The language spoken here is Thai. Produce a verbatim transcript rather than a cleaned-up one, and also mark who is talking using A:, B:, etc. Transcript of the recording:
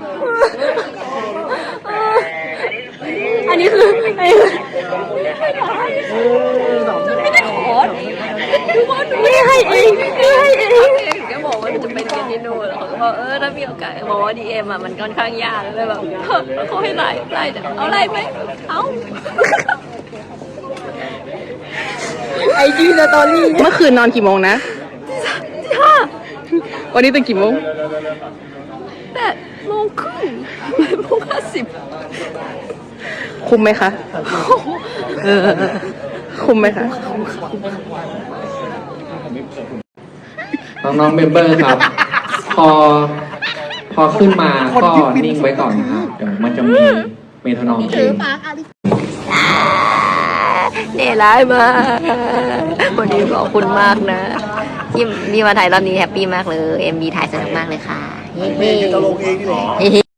A: อันนี้คืออันนี้คือไม่ได้ขอไม่ให้เองไม่ให้เองแกบอกว่าจะไปเรียนที่นู่นแล้วเขาก็บอกเออถ้ามีโอกาสบอกว่าดีเอ็มอ่ะมันค่อนข้างยากเลยแบบเขาให้ไล่ไล่เอาไล่ไหมเอาไอจีสตอรี่
B: เมื่อคืนนอนกี่โมงนะ
A: ที่ห้า
B: วันนี้ตื่นกี่โมง
A: แปดโมงครึ่งแปดโมงห้าสิบ
B: คุ้มไหมคะเออคุ้มไหมคะ
C: น้องๆเมมเบอร์ครับ พอพอขึ้นมาก็นิ่งไว้ก่อนนะครับเดี๋ยวมันจะมีเมโทรนอมเอง
A: เนี่ยร้ายมากวันนี้ขอบคุณมากนะที่มีมาถ่ายรอบนี้แฮปปี้มากเลยเอ็มบีถ่ายสนุกมากเลยค่ะเฮ้